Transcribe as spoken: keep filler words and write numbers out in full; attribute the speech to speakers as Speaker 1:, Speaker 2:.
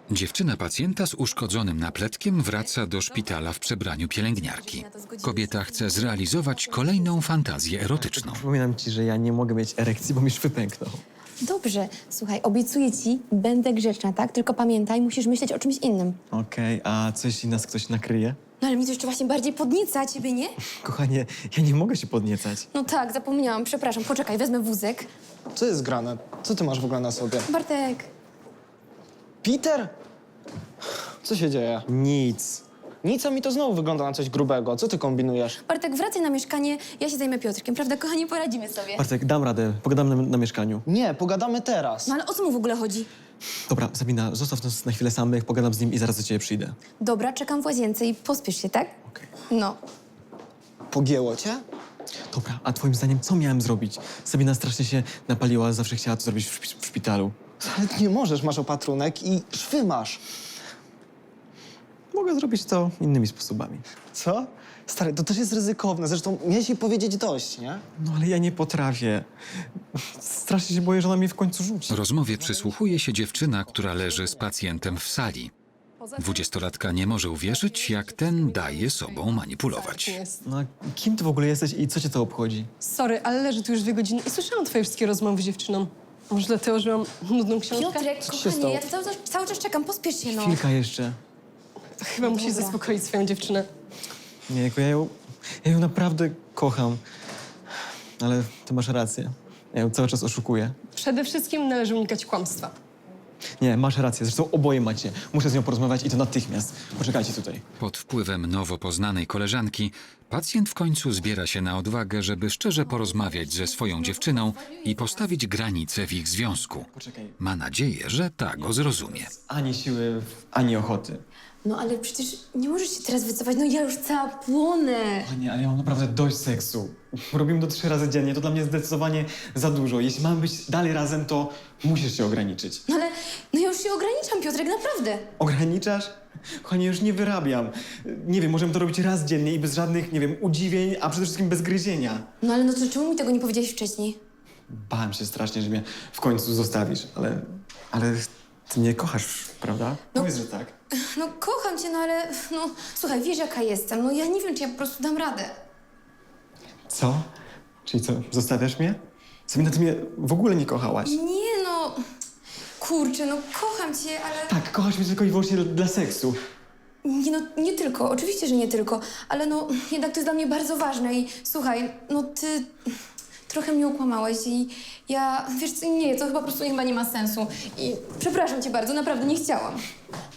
Speaker 1: Dziewczyna pacjenta z uszkodzonym napletkiem wraca do szpitala w przebraniu pielęgniarki. Kobieta chce zrealizować kolejną fantazję erotyczną.
Speaker 2: Przypominam ci, że ja nie mogę mieć erekcji, bo mi szwy pękną.
Speaker 3: Dobrze, słuchaj, obiecuję ci, będę grzeczna, tak? Tylko pamiętaj, musisz myśleć o czymś innym.
Speaker 2: Okej, a co jeśli nas ktoś nakryje?
Speaker 3: No ale mnie to jeszcze właśnie bardziej podnieca, a ciebie nie?
Speaker 2: Kochanie, ja nie mogę się podniecać.
Speaker 3: No tak, zapomniałam, przepraszam, poczekaj, wezmę wózek.
Speaker 4: Co jest grane? Co ty masz w ogóle na sobie?
Speaker 3: Bartek,
Speaker 4: Peter? Co się dzieje?
Speaker 2: Nic.
Speaker 4: Nic, a mi to znowu wygląda na coś grubego. Co ty kombinujesz?
Speaker 3: Bartek, wracaj na mieszkanie, ja się zajmę Piotrkiem, prawda, kochanie, poradzimy sobie.
Speaker 2: Bartek, dam radę, pogadam na, na mieszkaniu.
Speaker 4: Nie, pogadamy teraz.
Speaker 3: No ale o co mu w ogóle chodzi?
Speaker 2: Dobra, Sabina, zostaw nas na chwilę samych, pogadam z nim i zaraz do ciebie przyjdę.
Speaker 3: Dobra, czekam w łazience i pospiesz się, tak?
Speaker 2: Okej.
Speaker 3: No.
Speaker 4: Pogięło cię?
Speaker 2: Dobra, a twoim zdaniem co miałem zrobić? Sabina strasznie się napaliła, zawsze chciała to zrobić w, szpi- w szpitalu.
Speaker 4: Ale nie możesz, masz opatrunek i szwy masz.
Speaker 2: Mogę zrobić to innymi sposobami.
Speaker 4: Co? Stary, to też jest ryzykowne. Zresztą miałeś jej powiedzieć dość, nie?
Speaker 2: No ale ja nie potrafię. Strasznie się boję, że ona mnie w końcu rzuci.
Speaker 1: Rozmowie przysłuchuje się dziewczyna, która leży z pacjentem w sali. Dwudziestolatka nie może uwierzyć, jak ten daje sobą manipulować.
Speaker 2: No a kim ty w ogóle jesteś i co cię to obchodzi?
Speaker 5: Sorry, ale leżę tu już dwie godziny i słyszałam twoje wszystkie rozmowy z dziewczyną. Może dlatego, że mam nudną książkę?
Speaker 3: Piotrek,
Speaker 4: się
Speaker 3: kochanie,
Speaker 4: stało?
Speaker 3: ja tu cały, czas- cały czas czekam, pospiesz się, no.
Speaker 2: Chwilka jeszcze.
Speaker 5: Chyba musisz
Speaker 3: Dobra.
Speaker 5: zaspokoić swoją dziewczynę.
Speaker 2: Nie, jako ja ją, ja ją naprawdę kocham. Ale ty masz rację. Ja ją cały czas oszukuję.
Speaker 5: Przede wszystkim należy unikać kłamstwa.
Speaker 2: Nie, masz rację. Zresztą oboje macie. Muszę z nią porozmawiać i to natychmiast. Poczekajcie tutaj.
Speaker 1: Pod wpływem nowo poznanej koleżanki pacjent w końcu zbiera się na odwagę, żeby szczerze porozmawiać ze swoją dziewczyną i postawić granice w ich związku.
Speaker 2: Poczekaj.
Speaker 1: Ma nadzieję, że ta go zrozumie.
Speaker 2: Ani siły, ani ochoty.
Speaker 3: No ale przecież nie możesz się teraz wycofać, no ja już cała płonę.
Speaker 2: Panie, ale ja mam naprawdę dość seksu. Robimy to trzy razy dziennie. To dla mnie zdecydowanie za dużo. Jeśli mamy być dalej razem, to musisz się ograniczyć.
Speaker 3: No ale, no ja już się ograniczam, Piotrek, naprawdę.
Speaker 2: Ograniczasz? Kochanie, już nie wyrabiam. Nie wiem, możemy to robić raz dziennie i bez żadnych, nie wiem, udziwień, a przede wszystkim bez gryzienia.
Speaker 3: No ale no to czemu mi tego nie powiedziałeś wcześniej?
Speaker 2: Bałem się strasznie, że mnie w końcu zostawisz, ale... Ale ty mnie kochasz, prawda?
Speaker 3: No.
Speaker 2: Powiedz, że tak.
Speaker 3: No kocham cię, no ale, no słuchaj, wiesz jaka jestem, no ja nie wiem, czy ja po prostu dam radę.
Speaker 2: Co? Czyli co, zostawiasz mnie? Sabina, ty mnie w ogóle nie kochałaś.
Speaker 3: Nie no, kurczę, no kocham cię, ale...
Speaker 2: Tak, kochasz mnie tylko i wyłącznie dla, dla seksu.
Speaker 3: Nie no, nie tylko, oczywiście, że nie tylko, ale no jednak to jest dla mnie bardzo ważne i słuchaj, no ty trochę mnie ukłamałeś i ja, wiesz co, nie, to chyba po prostu chyba nie ma sensu i przepraszam cię bardzo, naprawdę nie chciałam.